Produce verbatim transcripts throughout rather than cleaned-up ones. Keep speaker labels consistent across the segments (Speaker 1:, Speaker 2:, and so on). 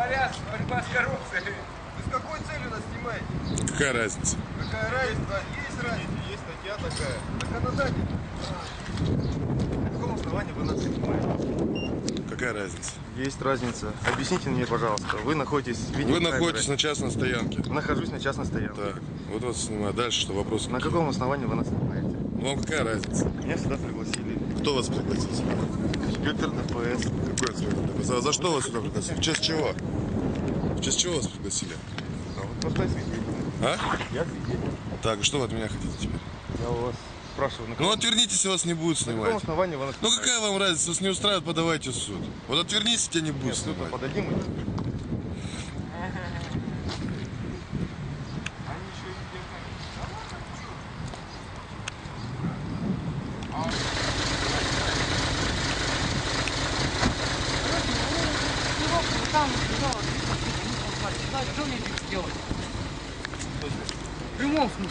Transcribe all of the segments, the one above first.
Speaker 1: говорят, борьба с коррупцией.
Speaker 2: Вы с какой целью нас снимаете?
Speaker 3: Какая разница?
Speaker 2: Какая разница? Есть разница, есть статья такая. Законодатель. На каком основании вы нас снимаете?
Speaker 3: Какая разница?
Speaker 2: Есть разница. Объясните мне, пожалуйста. Вы находитесь в
Speaker 3: Вы находитесь на частной стоянке.
Speaker 2: Нахожусь на частной стоянке.
Speaker 3: Так, вот вас снимаю. Дальше что, вопрос?
Speaker 2: На каком основании вы нас снимаете?
Speaker 3: Ну, вам какая разница?
Speaker 2: Меня сюда пригласили.
Speaker 3: Кто вас пригласил?
Speaker 2: Инспектор ДПС.
Speaker 3: Какой инспектор? За, за что вас сюда пригласили? В честь чего? В честь чего вас пригласили?
Speaker 2: А вот простой свидетель.
Speaker 3: А?
Speaker 2: Я свидетель.
Speaker 3: Так, что вы от меня хотите теперь?
Speaker 2: Я у вас спрашиваю, на
Speaker 3: Ну,
Speaker 2: каком,
Speaker 3: отвернитесь, и вас не будет
Speaker 2: на каком
Speaker 3: снимать.
Speaker 2: основании вы нас
Speaker 3: Ну,
Speaker 2: снимаете?
Speaker 3: какая вам разница? Вас не устраивает, подавайте в суд. Вот отвернитесь, тебя не будет
Speaker 2: Нет, суд мы
Speaker 3: снимать.
Speaker 2: подадим. и-
Speaker 4: Что мне здесь делать? В прямом смысле.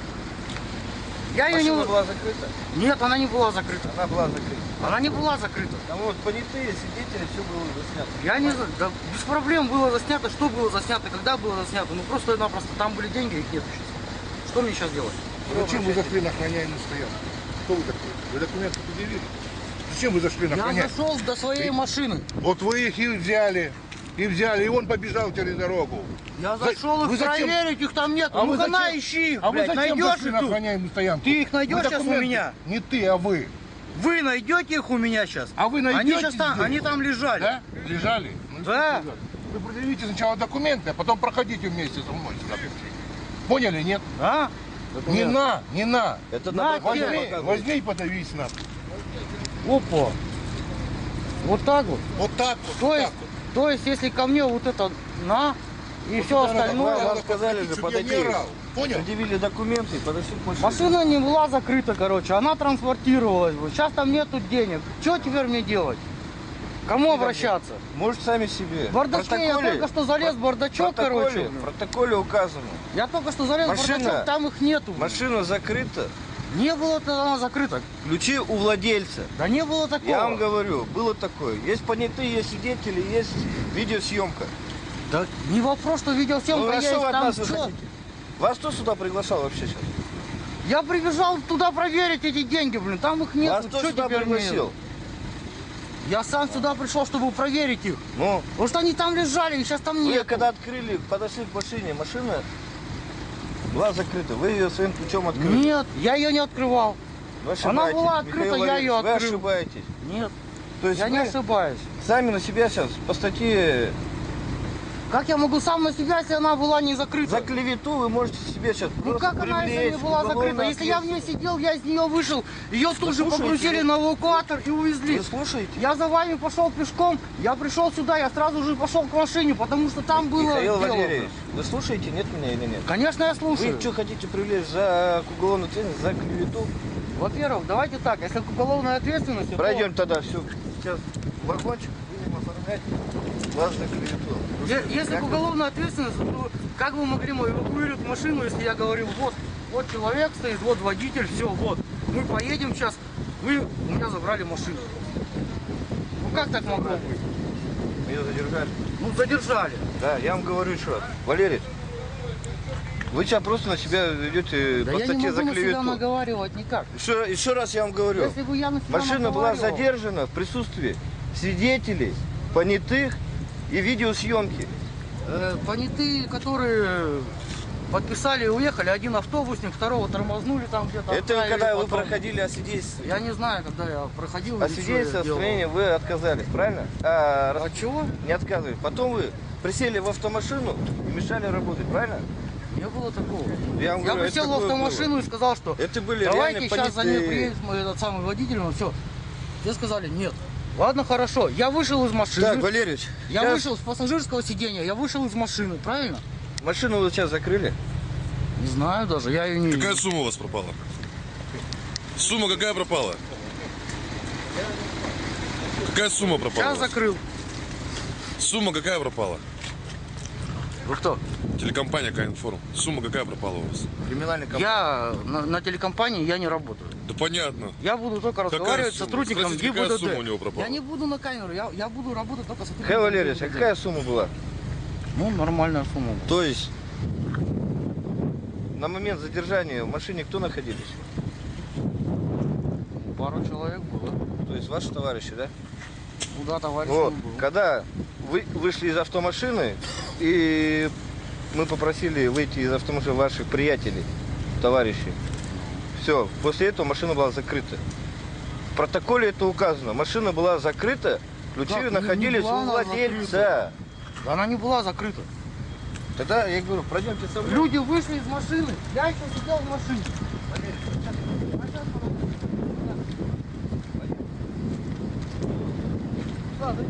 Speaker 4: Я ее не...
Speaker 2: Машина была закрыта?
Speaker 4: Нет, она не была закрыта.
Speaker 2: Она была закрыта.
Speaker 4: Она не была закрыта.
Speaker 2: Там вот понятые свидетели, все было заснято.
Speaker 4: Я не знаю, да без проблем было заснято, что было заснято, когда было заснято. Ну просто-напросто там были деньги, их нет сейчас. Что мне сейчас делать?
Speaker 5: Зачем вы зашли на охраняемую стоянку? Кто вы такой? Вы документы предъявили? Зачем вы зашли на
Speaker 4: Я
Speaker 5: охраняемую?
Speaker 4: зашел до своей машины.
Speaker 5: Вот вы их и взяли, и взяли, и он побежал через дорогу.
Speaker 4: Я
Speaker 5: За-
Speaker 4: зашел их
Speaker 5: вы зачем-
Speaker 4: проверить, их там нет.
Speaker 5: А вы
Speaker 4: Ну-ка на,
Speaker 5: зачем-
Speaker 4: ищи их,
Speaker 5: А вы
Speaker 4: блядь,
Speaker 5: зачем
Speaker 4: найдешь
Speaker 5: зашли
Speaker 4: их
Speaker 5: на
Speaker 4: тут?
Speaker 5: охраняемую стоянку?
Speaker 4: Ты их найдешь
Speaker 5: Вы
Speaker 4: сейчас у
Speaker 5: документы-
Speaker 4: меня?
Speaker 5: Не ты, а вы.
Speaker 4: Вы найдете их у меня сейчас?
Speaker 5: А вы найдете
Speaker 4: Они сейчас там,
Speaker 5: здесь?
Speaker 4: они там лежали.
Speaker 5: Да? Лежали? Ну,
Speaker 4: Да.
Speaker 5: что сказать? Вы предъявите сначала документы, а потом проходите вместе со мной сюда. Поняли, нет?
Speaker 4: А?
Speaker 5: Не на, не на.
Speaker 2: Это
Speaker 4: На,
Speaker 2: возьми,
Speaker 5: Возьми, возьми и подавись на.
Speaker 4: Опа. Вот так вот.
Speaker 5: Вот так вот.
Speaker 4: То
Speaker 5: вот
Speaker 4: есть,
Speaker 5: так вот.
Speaker 4: то есть, если ко мне вот это на и все
Speaker 5: Вот это надо,
Speaker 4: остальное.
Speaker 5: надо
Speaker 2: вам сказали
Speaker 5: подходить,
Speaker 2: же,
Speaker 5: чтобы я не
Speaker 2: подойти.
Speaker 5: орал. Понял?
Speaker 2: предъявили документы и подошли к машине.
Speaker 4: Машина не была закрыта, короче, она транспортировалась бы. Сейчас там нету денег. Что теперь мне делать? Кому обращаться?
Speaker 2: Может, сами себе.
Speaker 4: В бардачке я только что залез в бардачок,
Speaker 2: в протоколе,
Speaker 4: короче.
Speaker 2: В протоколе указано.
Speaker 4: Я только что залез в
Speaker 2: Машина-
Speaker 4: бардачок, там их нету.
Speaker 2: Машина закрыта.
Speaker 4: Не было тогда она закрыта.
Speaker 2: Ключи у владельца.
Speaker 4: Да не было такого.
Speaker 2: Я вам говорю, было такое. Есть понятые, есть свидетели, есть видеосъемка.
Speaker 4: Да не вопрос, что видеосъемка
Speaker 2: Ну, а
Speaker 4: есть,
Speaker 2: что вы от
Speaker 4: там
Speaker 2: нас вы
Speaker 4: чё?
Speaker 2: хотите? Вас кто сюда приглашал вообще сейчас?
Speaker 4: Я прибежал туда проверить эти деньги, блин, там их нет.
Speaker 2: Вас кто
Speaker 4: Что
Speaker 2: сюда
Speaker 4: теперь мне?
Speaker 2: пригласил?
Speaker 4: Я сам сюда пришел, чтобы проверить их.
Speaker 2: Ну,
Speaker 4: Потому что они там лежали, их сейчас там
Speaker 2: вы
Speaker 4: нет.
Speaker 2: когда открыли, подошли к машине, машина была закрыта. Вы ее своим ключом открыли.
Speaker 4: Нет, я ее не открывал.
Speaker 2: Вы
Speaker 4: Она
Speaker 2: ошибаетесь,
Speaker 4: была открыта,
Speaker 2: Михаил
Speaker 4: я
Speaker 2: Валерьевич,
Speaker 4: ее
Speaker 2: Вы
Speaker 4: открыл.
Speaker 2: ошибаетесь.
Speaker 4: Нет,
Speaker 2: То есть
Speaker 4: я не
Speaker 2: вы
Speaker 4: ошибаюсь.
Speaker 2: сами на себя сейчас по статье
Speaker 4: Как я могу сам на себя, если она была не закрыта?
Speaker 2: за клевету вы можете себе сейчас
Speaker 4: Ну
Speaker 2: просто
Speaker 4: как она, если
Speaker 2: привлечь
Speaker 4: не была
Speaker 2: к
Speaker 4: закрыта?
Speaker 2: уголовной
Speaker 4: Если я в ней
Speaker 2: ответственности.
Speaker 4: сидел, я из нее вышел, ее тут же
Speaker 2: слушаете,
Speaker 4: погрузили
Speaker 2: вы-
Speaker 4: на эвакуатор и увезли.
Speaker 2: Вы слушаете?
Speaker 4: Я за вами пошел пешком, я пришел сюда, я сразу же пошел к машине, потому что там было
Speaker 2: Михаил
Speaker 4: дело.
Speaker 2: Валерьевич, вы слушаете, нет меня или нет?
Speaker 4: Конечно, я слушаю.
Speaker 2: Вы что хотите привлечь за к уголовной ответственности, за клевету?
Speaker 4: Во-первых, давайте так, если к уголовной ответственности, то-
Speaker 2: Пройдем тогда все. Сейчас вагончик будем оформлять вас за клевету.
Speaker 4: Е- Если к уголовной ответственности, то как вы могли эвакуировать машину, если я говорил, вот, вот человек стоит, вот водитель, все, вот, мы поедем сейчас, вы у меня забрали машину. Ну как так могло быть?
Speaker 2: Меня задержали.
Speaker 4: Ну задержали.
Speaker 2: Да, я вам говорю еще раз. Валерий, вы сейчас просто на себя ведете
Speaker 4: Да
Speaker 2: по
Speaker 4: я не
Speaker 2: статье
Speaker 4: могу
Speaker 2: за
Speaker 4: на себя
Speaker 2: клевету.
Speaker 4: наговаривать никак.
Speaker 2: Еще, еще раз я вам говорю.
Speaker 4: Если бы я на себя
Speaker 2: Машина была
Speaker 4: наговаривал-
Speaker 2: задержана в присутствии свидетелей, понятых и видеосъемки.
Speaker 4: Э, понятые, которые подписали и уехали, один автобусник, второго тормознули там где-то.
Speaker 2: Это
Speaker 4: оставили,
Speaker 2: когда вы
Speaker 4: потом-
Speaker 2: проходили освидетельствование.
Speaker 4: Я не знаю, когда я проходил. или что я
Speaker 2: Освидетельствование
Speaker 4: делал.
Speaker 2: строения вы отказались, правильно? А, раз-
Speaker 4: От чего?
Speaker 2: Не отказывались. Потом вы присели в автомашину и мешали работать, правильно?
Speaker 4: Не было такого.
Speaker 2: Я вам
Speaker 4: Я
Speaker 2: говорю,
Speaker 4: присел
Speaker 2: это
Speaker 4: в
Speaker 2: такое
Speaker 4: автомашину и сказал, что
Speaker 2: Это были
Speaker 4: давайте
Speaker 2: реально
Speaker 4: сейчас за ней
Speaker 2: понятые-
Speaker 4: приедет мой этот самый водитель, он все. Все сказали нет. Ладно, хорошо. Я вышел из машины.
Speaker 2: Так, Валерьевич,
Speaker 4: я
Speaker 2: сейчас
Speaker 4: вышел с пассажирского сиденья, я вышел из машины, правильно?
Speaker 2: машину вы сейчас закрыли.
Speaker 4: Не знаю даже, я ее не
Speaker 3: Какая
Speaker 4: видел.
Speaker 3: сумма у вас пропала? Сумма какая пропала? Какая сумма пропала? у
Speaker 4: Сейчас
Speaker 3: вас?
Speaker 4: закрыл.
Speaker 3: Сумма какая пропала?
Speaker 4: Вы кто?
Speaker 3: Телекомпания Каинформ. Сумма какая пропала у вас?
Speaker 2: Криминальный компания.
Speaker 4: Я на, на телекомпании я не работаю.
Speaker 3: Да понятно.
Speaker 4: Я буду только
Speaker 3: Какая
Speaker 4: разговаривать с
Speaker 3: сумма?
Speaker 4: сотрудником
Speaker 3: Спросите, какая
Speaker 4: ГИБДД.
Speaker 3: сумма у него пропала?
Speaker 4: Я не буду на камеру, я, я буду работать только с сотрудником
Speaker 2: Михаил Валерьевич, а
Speaker 4: ГИБДД.
Speaker 2: какая сумма была?
Speaker 4: Ну, нормальная сумма была.
Speaker 2: То есть на момент задержания в машине кто находились?
Speaker 4: Пару человек было.
Speaker 2: То есть ваши товарищи, да?
Speaker 4: Ну да, товарищ
Speaker 2: Вот.
Speaker 4: был.
Speaker 2: Когда вы вышли из автомашины, и мы попросили выйти из автомашины ваших приятелей, товарищей. Все, после этого машина была закрыта. В протоколе это указано. Машина была закрыта, ключи
Speaker 4: Как? Не- не
Speaker 2: находились
Speaker 4: была
Speaker 2: у
Speaker 4: она
Speaker 2: владельца.
Speaker 4: закрыта. Она не была закрыта.
Speaker 2: Тогда я говорю, пройдемте со мной.
Speaker 4: Люди вышли из машины. Я еще сидел в машине. Да, да,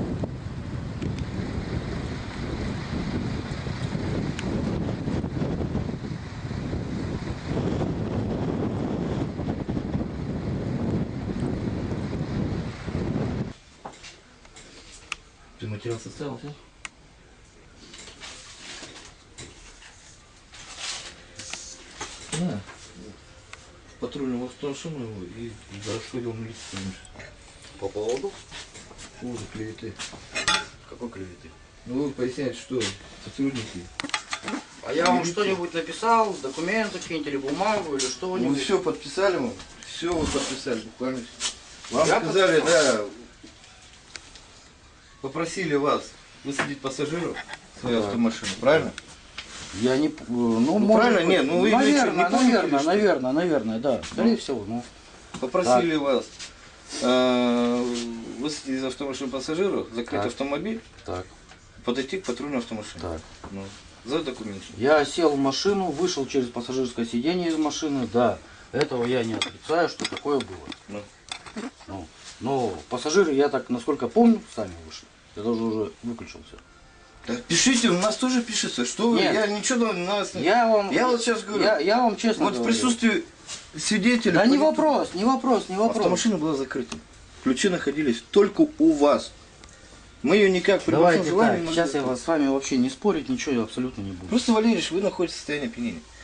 Speaker 6: Ты материал составился? Да. Патрульную машину его и расходил милицию.
Speaker 2: По поводу?
Speaker 6: Поводу клеветы.
Speaker 2: Какой клеветы?
Speaker 6: Ну вы поясняете, что сотрудники.
Speaker 4: А я вам что-нибудь написал, документы какие-нибудь или бумагу, или
Speaker 2: Мы
Speaker 4: что-нибудь?
Speaker 2: все подписали, мы все вы подписали, буквально. Вам
Speaker 4: Я
Speaker 2: сказали, да, попросили вас высадить пассажиров в свою автомашину, правильно?
Speaker 4: Я не... п- Ну, может
Speaker 2: правильно,
Speaker 4: быть.
Speaker 2: не, ну вы
Speaker 4: наверное,
Speaker 2: не помните,
Speaker 4: наверное,
Speaker 2: что-
Speaker 4: наверное, наверное, да. Скорее всего, ну.
Speaker 2: Попросили вас э, высадить из автомашины пассажиров, закрыть
Speaker 4: Так.
Speaker 2: автомобиль,
Speaker 4: Так,
Speaker 2: подойти к патрульной автомашине.
Speaker 4: так.
Speaker 2: Ну, за документы.
Speaker 4: Я сел в машину, вышел через пассажирское сиденье из машины, да. Этого я не отрицаю, что такое было.
Speaker 2: Ну.
Speaker 4: Ну, но пассажиры, я так, насколько помню, сами вышли. Я даже уже выключил все.
Speaker 2: Так пишите, у нас тоже пишется, что вы,
Speaker 4: Нет.
Speaker 2: я ничего на нас не...
Speaker 4: Я вам,
Speaker 2: Я вот сейчас говорю,
Speaker 4: я, я вам честно
Speaker 2: вот в
Speaker 4: говорю.
Speaker 2: присутствии свидетеля...
Speaker 4: Да не
Speaker 2: по-
Speaker 4: вопрос, не вопрос, не вопрос.
Speaker 2: Автомашина была закрыта. Ключи находились только у вас. Мы ее никак при вашем
Speaker 4: Давайте
Speaker 2: желании
Speaker 4: так,
Speaker 2: не могли
Speaker 4: сейчас я
Speaker 2: открыть.
Speaker 4: вас с вами вообще не спорить, ничего я абсолютно не буду.
Speaker 2: Просто, Валерьевич, вы находитесь в состоянии опьянения.